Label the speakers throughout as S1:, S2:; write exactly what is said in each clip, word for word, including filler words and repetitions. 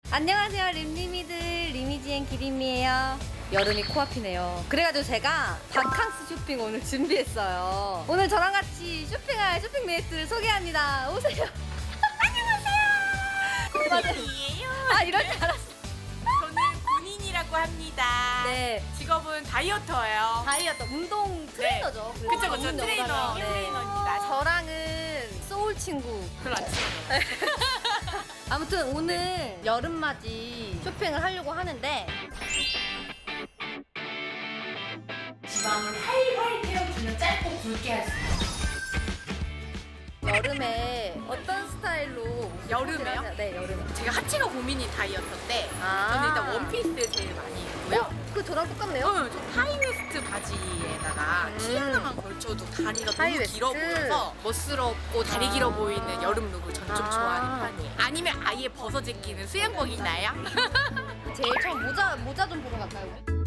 S1: 안녕하세요, 림리미들 리미지앤 기림이에요. 여름이 코앞이네요. 그래가지고 제가 바캉스 쇼핑 오늘 준비했어요. 오늘 저랑 같이 쇼핑할 쇼핑 메이트를 소개합니다. 오세요. 안녕하세요.
S2: 군인이에요.
S1: 아, 이럴 줄 알았어.
S2: 저는 군인이라고 합니다.
S1: 네.
S2: 직업은 다이어터예요.
S1: 다이어트 운동 트레이너죠.
S2: 그쵸 그쵸
S1: 전문
S2: 트레이너
S1: 영어라면. 네.
S2: 트레이너입니다.
S1: 저랑은 소울 친구.
S2: 별로 안 친해요.
S1: 아무튼 오늘 여름맞이 쇼핑을 하려고 하는데
S2: 지방을 활활 태워주는 짧고 굵게 할 수 있어요.
S1: 여름에 어떤 스타일로
S2: 여름에요?
S1: 하세요? 네, 여름에.
S2: 제가 하체가 고민인 다이어터인데
S1: 아.
S2: 저는 일단 원피스 제일 많이 입고요.
S1: 어? 그 저랑 똑같네요.
S2: 어, 저 하이웨스트 바지에다가
S1: 음.
S2: 티 하나만 걸쳐도 다리가 너무
S1: 하이웨스트.
S2: 길어 보여서 멋스럽고 다리
S1: 아.
S2: 길어 보이는 여름 룩을 전 좀
S1: 아.
S2: 좋아하는 편이에요. 아니면 아예 벗어 제끼는 수영복 있나요?
S1: 제일 처음 모자 모자 좀 보러 갈까요?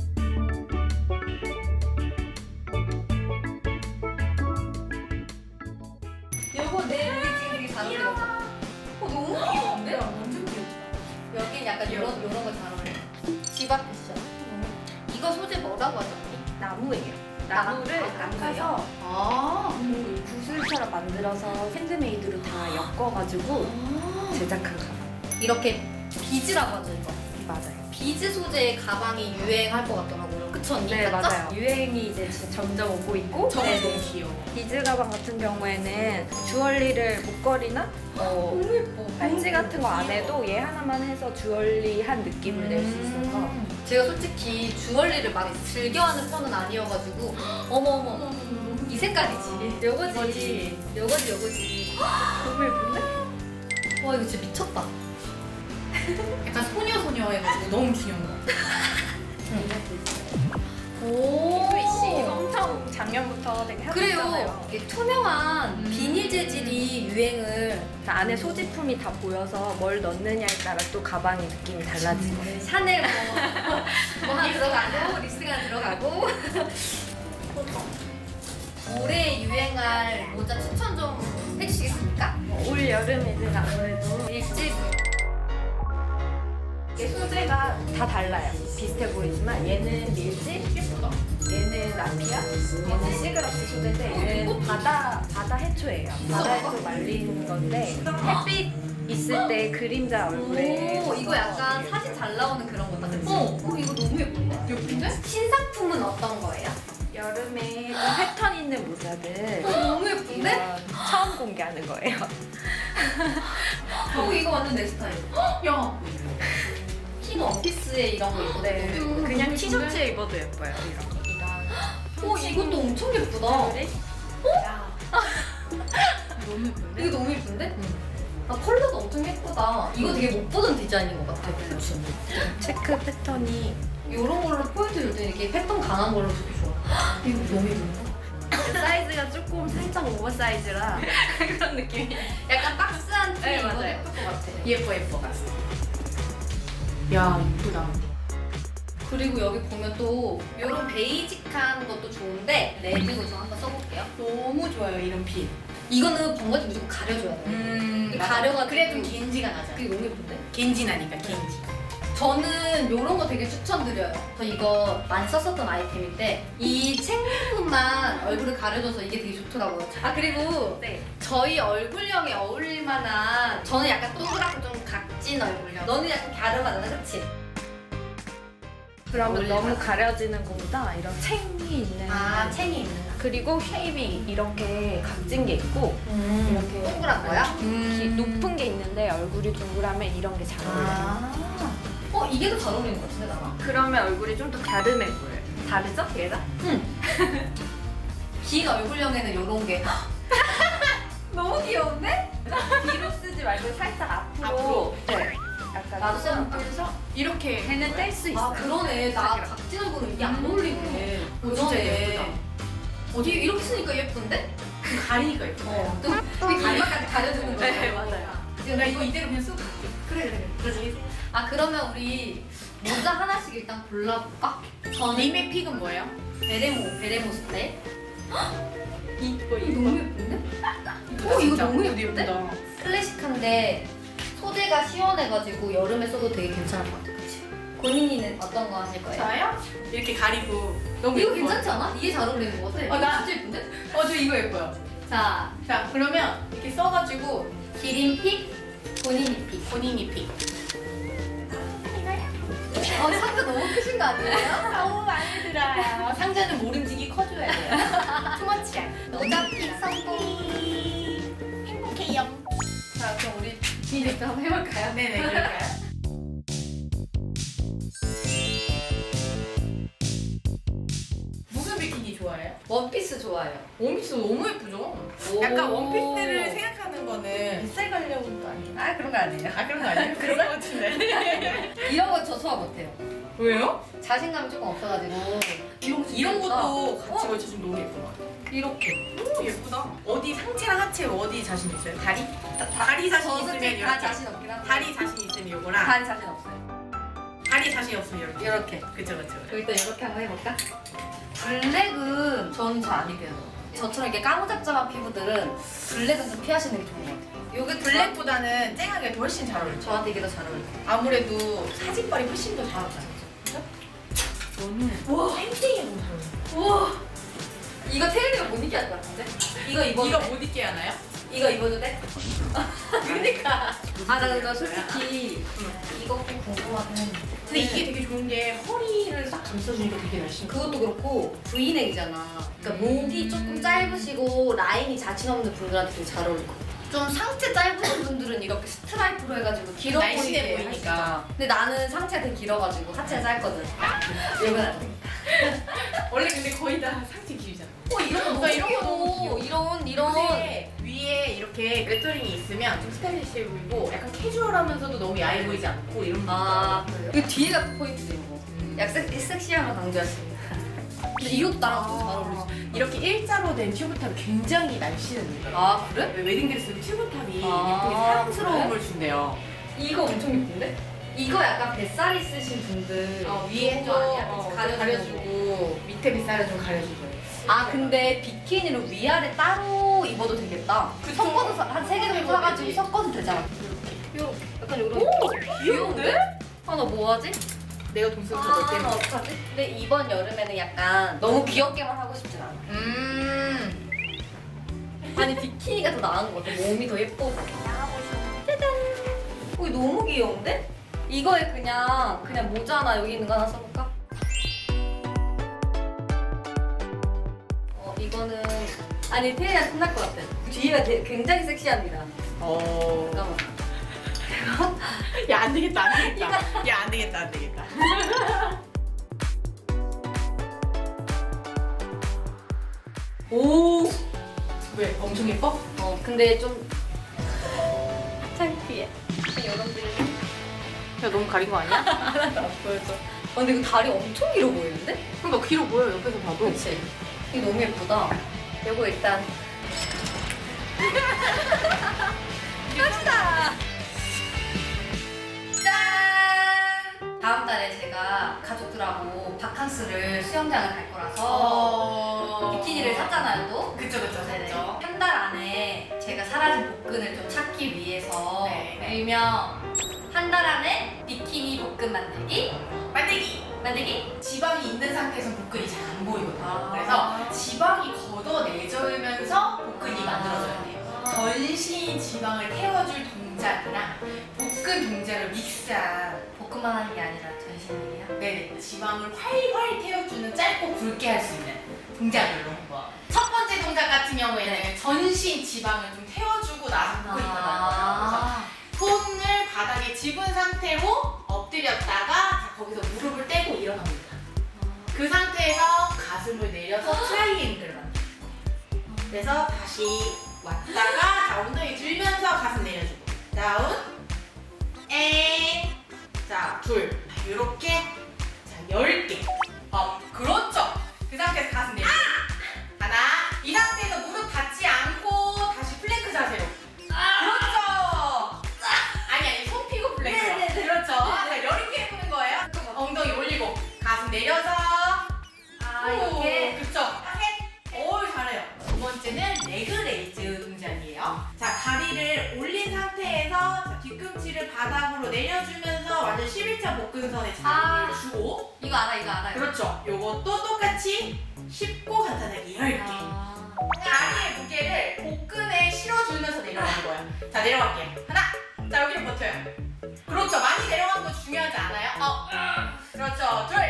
S1: 요거 내 우리 지금 되게 잘 어울려. 어, 너무 귀여운데?
S2: 완전 귀엽다.
S1: 여긴 약간 이런 이런 거 잘 어울려. 집 앞 패션. 이거 소재 뭐라고 하죠?
S3: 나무예요.
S1: 나무?
S3: 나무를
S1: 아,
S3: 깎아서
S1: 아.
S3: 그 구슬처럼 만들어서 핸드메이드로 다 엮어가지고 제작한 가방.
S1: 이렇게 비즈라고 하죠, 이거.
S3: 맞아요.
S1: 비즈 소재의 가방이 유행할 것 같더라고요. 그쵸, 언니?
S3: 네,
S1: 맞죠?
S3: 맞아요. 유행이 이제 진짜 점점 오고 있고.
S2: 저거
S3: 네,
S2: 너무
S3: 네.
S2: 귀여워.
S3: 비즈 가방 같은 경우에는 주얼리를 목걸이나 뭐
S1: 너무 예뻐.
S3: 팔찌 같은 거 안
S2: 귀여워.
S3: 해도 얘 하나만 해서 주얼리한 느낌을 낼 수 있어서
S1: 음. 제가 솔직히 주얼리를 막 즐겨하는 편은 아니어가지고 어머 어머 이 색깔이지. 요거지.
S3: 이거지.
S1: 요거지 요거지.
S3: 너무 예쁜데?
S1: 와 이거 진짜 미쳤다.
S2: 약간 소녀소녀 해가지고 너무 귀여운 거.
S1: 오.
S3: 스위시 엄청 작년부터 되게
S1: 그래요.
S3: 핫했잖아요.
S1: 이게 투명한
S2: 음.
S1: 비닐 재질이 유행을.
S3: 안에 소지품이 다 보여서 뭘 넣느냐에 따라 또 가방의 느낌이 달라지는 거예요.
S1: 샤넬 뭐, 뭐 하나 들어가고 립스틱 하나 들어가고. 올해 유행할 모자 추천 좀 해주시겠습니까?
S3: 올 여름에는 아무래도
S1: 일집.
S3: 이게 소재가 다 달라요. 비슷해 보이지만 얘는 밀짚,
S2: 예쁘다.
S3: 얘는 나피아, 얘는 시그러스 소재인데 얘는 바다 바다 해초예요. 바다 해초 말린 건데 햇빛 있을 때 그림자 얼굴에
S1: 오, 이거 약간 사진 잘 나오는 그런 거다, 그치? 어, 어, 이거 너무 예쁜데?
S2: 예쁜데?
S1: 신상품은 어떤 거예요?
S3: 여름에 좀 패턴 있는 모자들
S1: 어, 너무 예쁜데?
S3: 이건 처음 공개하는 거예요.
S1: 어, 이거 완전 내 스타일.
S2: 야.
S1: 흰 원피스에 이런 거 입고
S3: 네,
S1: 너무 예쁜데?
S3: 그냥 티셔츠에 입어도 예뻐요. 이런.
S1: 어, 이것도 엄청 예쁘다.
S3: 네?
S2: 너무 예쁜데?
S1: 이거 너무 예쁜데? 아, 컬러도 엄청 예쁘다. 이거 되게 못 보던 디자인인 것 같아. 그치?
S3: 체크 패턴이
S1: 이런 걸로 포인트 줄 때 이렇게 패턴 강한 걸로 되게 좋아. 이거 너무 예쁜데?
S3: 사이즈가 조금 살짝 오버사이즈라 그런 느낌이.
S1: 약간 박스한 티
S3: 네,
S1: 입어도
S3: 맞아요.
S1: 예쁠 것 같아.
S2: 예뻐 예뻐. 야 이쁘다.
S1: 그리고 여기 보면 또 이런 베이직한 것도 좋은데 레드로 저 한번 써볼게요.
S2: 너무 좋아요 이런 핏.
S1: 이거는 번거지 무조건 가려줘야 돼.
S2: 음
S1: 가려가지고.
S2: 그래 좀 겐지가 나잖아.
S1: 그게 너무 예쁜데?
S2: 겐지 나니까 겐지.
S1: 저는 이런 거 되게 추천드려요. 저 이거 많이 썼었던 아이템인데 이 책부분만 얼굴을 가려줘서 이게 되게 좋더라고요. 아 그리고
S3: 네.
S1: 저희 얼굴형에 어울릴 만한 저는 약간 동그랗고 좀 각진 얼굴형. 너는 약간 갸름하잖아, 그치?
S3: 그러면
S1: 어울릴
S3: 너무
S1: 만한.
S3: 가려지는 것보다 이런 챙이 있는
S1: 아, 챙이 있는.
S3: 그리고 쉐입이 이렇게 각진 게 있고
S1: 음,
S3: 이렇게
S1: 동그란 거야?
S3: 기- 높은 게 있는데 얼굴이 동그라면 이런 게 잘 어울려요.
S1: 아. 어, 이게 더 잘 어울리는 것 같은데, 나랑?
S3: 그러면 얼굴이 좀 더 갸름해 보여요. 다르죠? 얘랑?
S1: 긴 얼굴형에는 이런 게. 너무 귀여운데?
S3: 뒤로 쓰지 말고 살짝 앞으로.
S2: 앞으로?
S3: 네. 약간
S1: 나도
S3: 좀
S1: 좀
S3: 떼서
S2: 이렇게
S3: 걔는 뗄 수
S1: 아,
S3: 있어요.
S1: 그러네. 나 각진 얼굴은 이게 안 어울리네.
S2: 어, 진짜 예쁘다.
S1: 어디 이렇게 쓰니까 예쁜데?
S2: 좀 가리니까 예쁘다.
S1: 어. 또 이마까지 가려주는 거야.
S3: 네, 맞아요.
S2: 나 이거 이대로 그냥 쓰고 갈게.
S1: 그래, 그래, 그래. 아, 그러면 우리 모자 하나씩 일단 골라볼까? 저는
S2: 님의 픽은 뭐예요?
S1: 베레모, 베레모 스타일.
S2: 이거
S1: 이거 너무 예쁜데?
S2: 이쁘다,
S1: 어, 이거
S2: 진짜.
S1: 너무
S2: 이거
S1: 예쁜데?
S2: 예쁘다.
S1: 클래식한데 소재가 시원해가지고 여름에 써도 되게 괜찮을 것 같아. 그치? 고민이는 어떤 거 하실 거예요?
S2: 저요? 이렇게 가리고 너무
S1: 이거
S2: 예뻐요.
S1: 괜찮지 않아? 이게 잘 어울리는 것 같아.
S2: 어, 나-
S1: 이거 진짜 예쁜데?
S2: 어, 저 이거 예뻐요.
S1: 자,
S2: 자, 그러면 이렇게 써가지고
S1: 기린픽, 본인이픽.
S2: 본인이 픽.
S1: 어, 상자 너무 크신 거 아니에요?
S2: 너무 많이 들어요. 상자는 모름지기 커줘야 돼요. 투머치야.
S1: 모자픽 성공.
S2: 행복해요.
S1: 자, 그럼 우리 비닐도 한번 해볼까요?
S2: 네네, 그럴까요? 무슨 비키니 좋아해요?
S1: 원피스 좋아요.
S2: 원피스 너무 예쁘죠? 약간 원피스를 생각하는 거는 뱃살 가려운 거 아니에요?
S1: 아, 그런 거 아니에요.
S2: 아, 그런 거 아니에요? 그런 거 같은데.
S1: 이런 거 저 소화 못해요.
S2: 왜요?
S1: 자신감이 조금 없어가지고.
S2: 이런, 이런 것도 같이
S1: 어?
S2: 걸쳐주면 너무 예쁜 것 같아요.
S1: 이렇게.
S2: 오, 예쁘다. 어디 상체랑 하체 어디 자신 있어요? 다리? 다리 자신
S1: 저
S2: 있으면
S1: 솔직히
S2: 이렇게.
S1: 다 자신 없긴 한데.
S2: 다리 자신 있으면 이거랑
S1: 반 자신 없어요.
S2: 다리 자신 없으면 이렇게.
S1: 이렇게.
S2: 그쵸, 그쵸.
S1: 그럼 일단 이렇게 한번 해볼까? 블랙은 저는 잘 안 입혀요. 저처럼 이렇게 까무잡잡한 피부들은 블랙은 좀 피하시는 게 좋은 것 같아요.
S2: 요게 블랙보다는 쨍하게 훨씬 잘 어울리죠.
S1: 저한테 이게 더 잘 어울려요.
S2: 아무래도 사진빨이 훨씬 더 잘 어울리죠. 저는
S1: 우와.
S2: 땡땡이 너무 잘 어울려요.
S1: 우와. 이거 테일리가 못 입게 할 것 같은데? 이거 입어도
S2: 이거
S1: 돼?
S2: 못 입게 하나요?
S1: 이거 입어도 돼?
S2: 그러니까.
S1: 아, 나, 나 솔직히 이거 꼭 궁금하긴 했는데.
S2: 근데 이게 되게 좋은 게 허리를 싹 감싸주니까 되게 날씬해.
S1: 그것도 그렇고 V넥이잖아. 그러니까 목이 조금 짧으시고 라인이 자신 없는 분들한테 되게 잘 어울릴 것 같아. 좀 상체 짧으신 분들은 이렇게 스트라이프로 해가지고 길어
S2: 날씬해
S1: 보이게
S2: 보이니까.
S1: 할수 있잖아. 근데 나는 상체가 되게 길어가지고 하체가 짧거든. 이건 안 돼.
S2: 원래 근데 거의 다 상체 길잖아.
S1: 어, 이런 거 너무
S2: 나 이런 거 너무
S1: 귀여워. 이런 이런.
S2: 근데 위에 이렇게 레터링이 있으면 좀 스타일리시해 보이고 약간 캐주얼하면서도 너무 야해 보이지 않고 이런
S1: 아,
S2: 거.
S1: 이거 뒤에가 포인트도 이거.
S2: 음.
S1: 약 섹, 섹시함을 강조했습니다. 근데 이것도 나랑 좀 잘 어울리지.
S2: 이렇게 일자로 된 튜브탑이 굉장히 날씬해 보이더라고요.
S1: 아, 그래?
S2: 웨딩드레스 튜브탑이
S1: 아,
S2: 예쁘게 사랑스러움을 준대요.
S1: 이거 엄청 예쁜데? 이거 약간 뱃살 있으신 분들
S2: 어, 위에 좀
S1: 아니야?
S2: 어,
S1: 그치?
S2: 가려주고, 가려주고 밑에 빗살을 좀 가려주고요.
S1: 아, 근데 비키니를 위아래 따로 입어도 되겠다.
S2: 그쵸?
S1: 섞어서 한 세 개 정도
S2: 입어도
S1: 사가지고
S2: 되지.
S1: 섞어도 되잖아. 요 약간 요런.
S2: 오! 귀여운데?
S1: 아, 나 뭐 하지?
S2: 내가 돈 쓰고
S1: 아,
S2: 저걸
S1: 나
S2: 때문에.
S1: 어떡하지? 근데 이번 여름에는 약간 너무 귀엽게만 하고 싶진 않아.
S2: 음.
S1: 아니, 비키니가 더 나은 것 같아. 몸이 더 예뻐서. 짜잔. 어, 이거 너무 귀여운데? 이거에 그냥 그냥 모자 하나 여기 있는 거 하나 써볼까? 어, 이거는 아니 태연이가 끝날 것 같아. 뒤에가 되- 굉장히 섹시합니다.
S2: 어.
S1: 잠깐만.
S2: 야, 안 되겠다, 안 되겠다. 야, 안 되겠다, 안 되겠다.
S1: 오.
S2: 왜? 엄청 예뻐?
S1: 어, 근데 좀 창피해. 여러분들
S2: 야, 너무 가린 거 아니야?
S1: 하나도 안 보여줘. 어, 근데 이거 다리 엄청 길어 보이는데?
S2: 그러니까 길어 보여, 옆에서 봐도.
S1: 그치? 이거 너무 예쁘다. 이거 일단 갑시다. 짠! 다음 달에 제가 가족들하고 바캉스를 수영장을 갈 거라서
S2: 어.
S1: 비키니를 샀잖아요, 또.
S2: 그쵸, 그쵸,
S1: 네네.
S2: 샀죠.
S1: 한 달 안에 제가 사라진 복근을 좀 찾기 위해서
S2: 네, 네.
S1: 일명 한 달 안에 비키니 복근 만들기
S2: 만들기!
S1: 만들기
S2: 지방이 있는 상태에서 복근이 잘 안 보이거든요.
S1: 아.
S2: 그래서 지방이 걷어내져면서 복근이 만들어져야 돼요. 전신 지방을 태워줄 동작이랑 복근 동작을 믹스한
S1: 복근만 하는 게 아니라 전신이에요.
S2: 네네 지방을 활활 태워주는 짧고 굵게 할 수 있는 동작으로 한번 첫 번째 동작 같은 경우에는
S1: 네.
S2: 전신 지방을 좀 태워주고 나서 복근이 일어나는 거예요.
S1: 아.
S2: 그래서 손을 바닥에 집은 상태로 엎드렸다가 자, 거기서 무릎을 떼고 일어납니다. 그 상태에서 가슴을 내려서 트라이앵글을 만들어요. 그래서 다시 왔다가 자 엉덩이 들면서 가슴 내려주고 다운 앤 자 둘 이렇게 자 열 개 업 그렇죠. 그 상태에서 가슴 내려주고 하나 이 상태에서 무릎 닿지 않고 다시 플랭크 자세로 그렇죠. 아니 아니 손 피고 플랭크
S1: 네네네.
S2: 그렇죠. 자 이렇게 해보는 거예요. 엉덩이 올리고 가슴 내려서
S1: 아, 이렇게
S2: 그쵸. 셋. 오, 잘해요. 두 번째는 레그 레이즈 동작이에요. 자, 다리를 올린 상태에서 자, 뒤꿈치를 팔자 복근선에
S1: 아.
S2: 자리를 주고
S1: 이거 알아, 이거 알아요.
S2: 그렇죠. 요것도 똑같이 쉽고 간단하게 얇게
S1: 아.
S2: 다리의 무게를 복근에 실어주면서 내려가는 거예요. 자, 내려갈게요. 하나. 자, 여기를 버텨요. 그렇죠. 많이 내려가는 거 중요하지 않아요? 어. 그렇죠. 둘.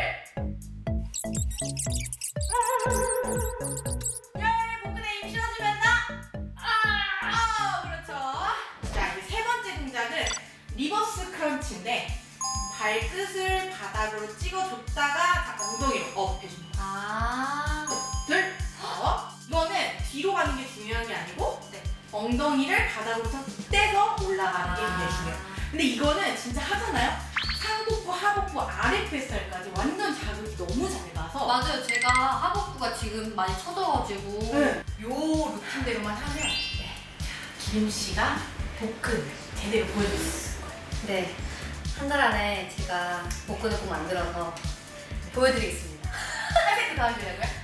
S2: 열. 복근에 힘 실어주면서. 아. 어, 그렇죠. 자, 이제 세 번째 동작은 리버스 크런치인데 발끝을 바닥으로 찍어줬다가 자, 엉덩이로 업 해줍니다.
S1: 아.
S2: 둘, 어? 이거는 뒤로 가는 게 중요한 게 아니고 네. 엉덩이를 바닥으로부터 떼서 올라가는 게 굉장히 중요해요. 근데 이거는 진짜 하잖아요? 상복부, 하복부, 아래 뱃살까지 완전 자극이 너무 잘 가서
S1: 맞아요. 제가 하복부가 지금 많이 처져가지고.
S2: 네. 요 루틴대로만 하면 네. 기림 씨가 복근 제대로 보여줬을 거예요.
S1: 네. 한 달 안에 제가 복근을 꼭 만들어서 보여드리겠습니다.
S2: 한 세트 더 하시려고요?